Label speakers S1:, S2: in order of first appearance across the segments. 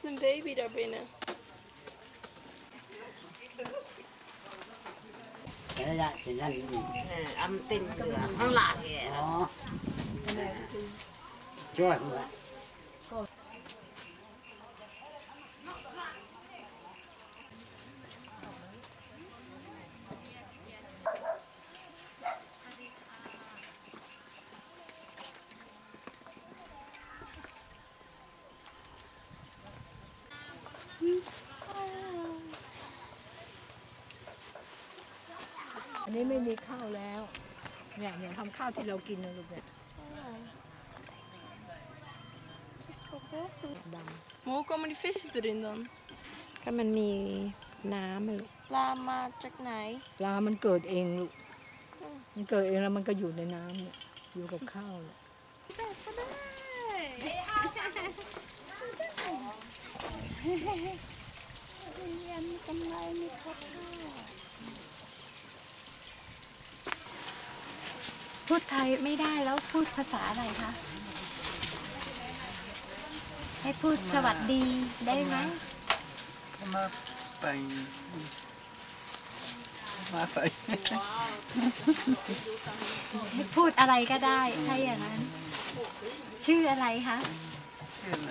S1: een baby daar binnen.
S2: Cái đó chỉ là gì?
S3: Âm tinh lửa không lạ kìa.
S2: Đó. Trời ơi.
S4: อันนี้ไม่มีข้าวแล้วเนี่ยทำข้าวที่เรากินนะลูกเนี่ยดำ
S1: Maar hoe komen die visjes erin dan?
S5: ก็มันมีน้ำมัน
S1: Laat maar, check nee.
S4: ปลามันเกิดเองลูกมันเกิดเองแล้วมันก็อยู่ในน้ำเนี่ยอยู่กับข้าวเนี่ย
S5: พูดไทยไม่ได้แล้วพูดภาษาอะไรคะ ให้พูดสวัสดีได้ไหม
S2: มาไป
S5: ให้พูดอะไรก็ได้ถ้าอย่างนั้น ชื่ออะไรคะ
S2: ชื่ออะไร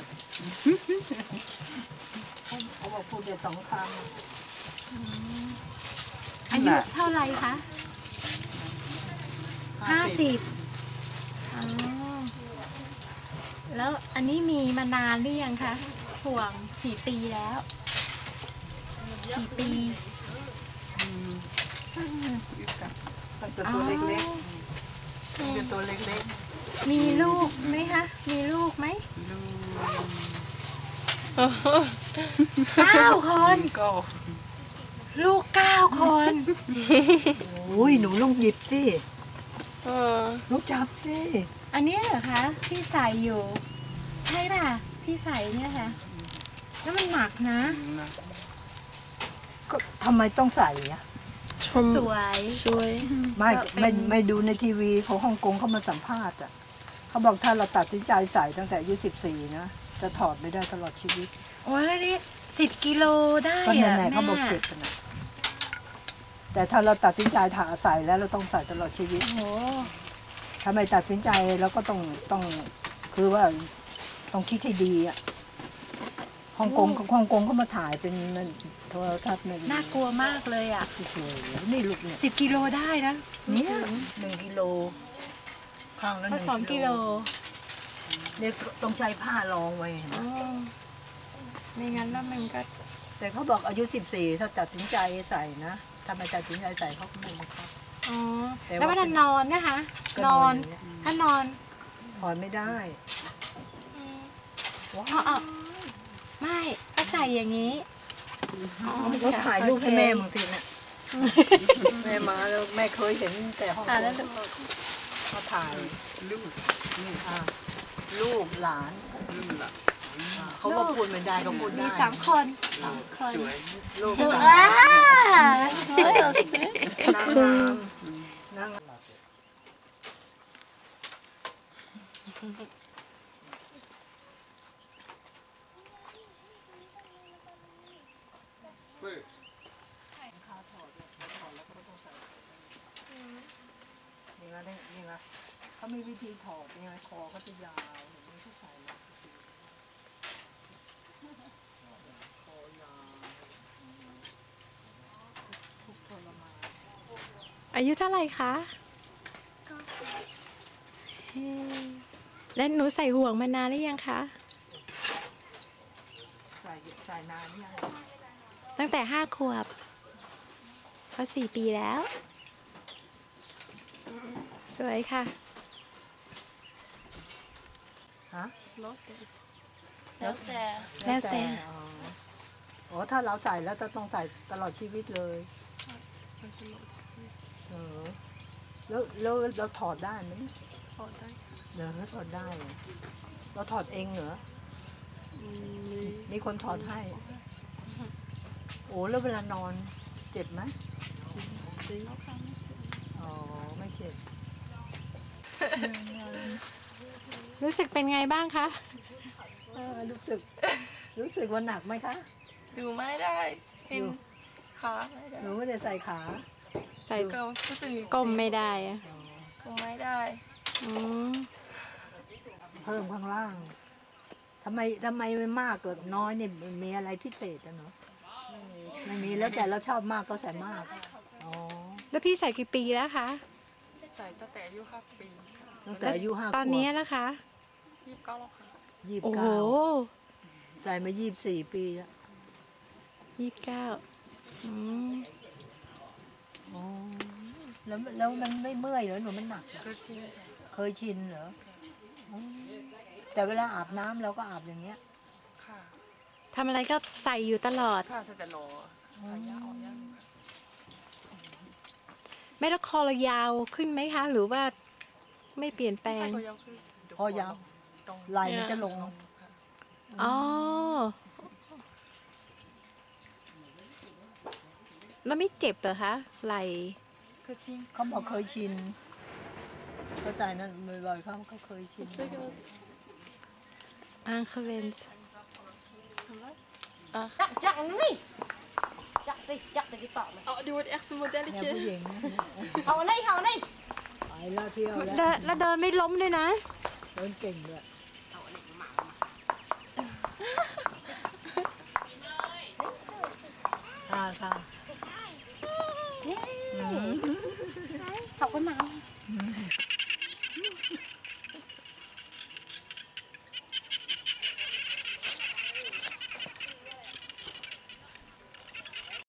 S4: เขาบอกพูดได้2 คำ
S5: อายุเท่าไหร่คะ50อ๋อแล้วอันนี้มีมานานหรือยังคะห่วงกี่ปีแล้วกี่ปี
S2: ตั้งแต่ตัวเล็กๆตั้งแต่ตัวเล็ก
S5: มีลูกไหมคะ มีลูกไหม
S2: ๆลูก
S5: 9 คน
S2: ก็
S5: ลูก9 คน
S4: โอ้ยหนูลองหยิบสิ
S1: Oh.
S4: ลูกจับสิ
S5: อันนี้เหรอคะที่ใส่อยู่ ใช่ป่ะที่ใส่เนี่ยค่ะ แล้วมันหนักนะ
S4: ก็ทำไมต้องใส่อะ
S5: สวย
S1: Sorry.
S4: ไม่ดูในทีวีของฮ่องกงเขามาสัมภาษณ์อ่ะเขาบอกถ้าเราตัดสินใจใส่ตั้งแต่อายุ14นะจะถอดไม่ได้ตลอดชีวิต
S5: โอ้ยแล้วนี่10 กิโลได้
S4: ก็
S5: อะ
S4: แน่ๆเขาบอก
S5: แม่
S4: เจ็บกันนะแต่ถ้าเราตัดสินใจถาใส่แล้วเราต้องใส่ตลอดชีวิต
S5: โอ้
S4: ถ้าไม่ตัดสินใจเราก็ต้องคือว่าต้องคิดให้ดีอ่ะฮ่องกงเขามาถ่ายเป็นโทรทัศน์เนี่ย
S5: น่ากลัวมากเลยอ่ะ
S4: โอ้โหนี่ลูกเนี่ย
S5: 10 กิโลได้นะ
S4: เนี่ย1 กิโลข้างละ
S5: ก็2 กิโล
S4: เนี่ยต้องใช้ผ้ารองไว้เห็นไหม
S5: อ๋อไม่งั้นแล้วมันก็
S4: แต่เขาบอกอายุ14ถ้าตัดสินใจใส่นะถ้าไม่ตัดสินใจใส่เขาก็ไม่บังคับ
S5: อ๋อ
S4: แต่ว่า
S5: แล้วเวลานอนนะคะ
S4: ก็
S5: นอน
S4: ย่างเงี้ย
S5: ถ้านอน
S4: ถอนไม่ได้ว้า
S5: อ๋อไม่ก็ใส่อย่างนี้อ๋อ
S4: เขาถ่ายรูปให้แม่บางทีน่ะแม่มาแล้วแม่เคยเห็นแต่ห้อง
S5: แล้ว
S4: เขาถ่าย
S2: ลูก
S4: ลูกหลาน
S2: ลูกละ
S4: เขาก็พูดไม่ได้เขาพูดได้
S5: มี3 คนคน
S2: สวย
S4: ลูก
S5: สวย
S4: หลาน
S5: สวย
S4: นางงามนาง นี่ไงเขามีวิธีถอดยังไงคอเขาจะยาวเห็นไหมที่ใส่แล้วคอยาวทุกทรมาน
S5: อายุเท่าไหร่คะแล้วหนูใส่ห่วงมานานหรือยังคะ
S4: ใส่นานยัง
S5: ตั้งแต่5 ขวบก็4 ปีแล้ว สวยค่ะ
S4: ฮะ
S1: แล้วแต่
S5: แล้วแต่
S4: อ๋อถ้าเราใส่แล้วจะต้องใส่ตลอดชีวิตเลยแล้วเราถอดได้ไหม
S1: ถอดได้
S4: เดี๋ยวถอดได้เหรอเราถอดเองเหรอมีคนถอดให้ โอ้แล้วเวลานอนเจ็บไหมอ๋อไม่เจ็บ
S5: รู้สึกเป็นไงบ้างคะ
S4: รู้สึกรู้สึกว่าหนักไหมคะ
S1: ดูไม่ได้เห็น
S4: ดู
S1: ขาไม่ได้
S4: หนูไม่ได้ใส่ขา
S5: ใส่
S1: ก็รู้สึก
S5: ก้มไม่ได้อะ
S1: ก้มไม่ได้
S5: อืม
S4: เพิ่มข้างล่างทำไมมันมากกับน้อยเนี่ยมันมีอะไรพิเศษอะเนาะไม่มีแล้วแต่เราชอบมากก็ใส่มากอ๋อ
S5: แล้วพี่ใส่กี่ปีแล้วคะ
S1: ใส่ตั้งแต่อายุ5 ปี
S4: ตั้งแต่อายุ5 ขวบ
S5: ตอนนี้นะคะ
S1: 29แล้วค่ะ
S5: โอ้โห
S4: 29ใส่มา24 ปีแล้ว
S5: 29อืม
S4: อ๋อแล้วมันไม่เมื่อยเหรอหนูมันหนักเหรอ
S1: ก็ชิน
S4: เคยชินเหรออ๋อแต่เวลาอาบน้ำเราก็อาบอย่างเงี้ย
S1: ค่ะ
S5: ทำอะไรก็ใส่อยู่ตลอด
S1: ค่ะใส่แต่โลใส่ยาอ่อนยัง
S5: ไม่แล้วคอเรายาวขึ้นไหมคะ หรือว่าไม่เปลี่ยนแปล
S1: ใส่
S5: ง
S1: ก็ยาวขึ้น
S4: คอยาว
S1: ตรง
S4: ไหล่มันจะลง
S1: ค่ะ
S5: อ๋อแล้วไม่เจ็บเหรอคะไหล่
S1: คือชิน
S4: เขาบอกเคยชินเขาใส่นั้นบ่อยๆเขาเคยชิน
S5: อังเคเวนส์
S3: Chắc đi. Chắc đi cái tỏ này.
S1: Oh, die wordt echt een
S4: เนี่ยผู้
S1: modelletje.
S4: หญิง
S3: Hầu này.
S4: ไปแล้วเที่ยวแล้ว
S5: แล้วเดินไม่ล้มด้วยนะ
S4: เดินเก่งด้วยค่ะ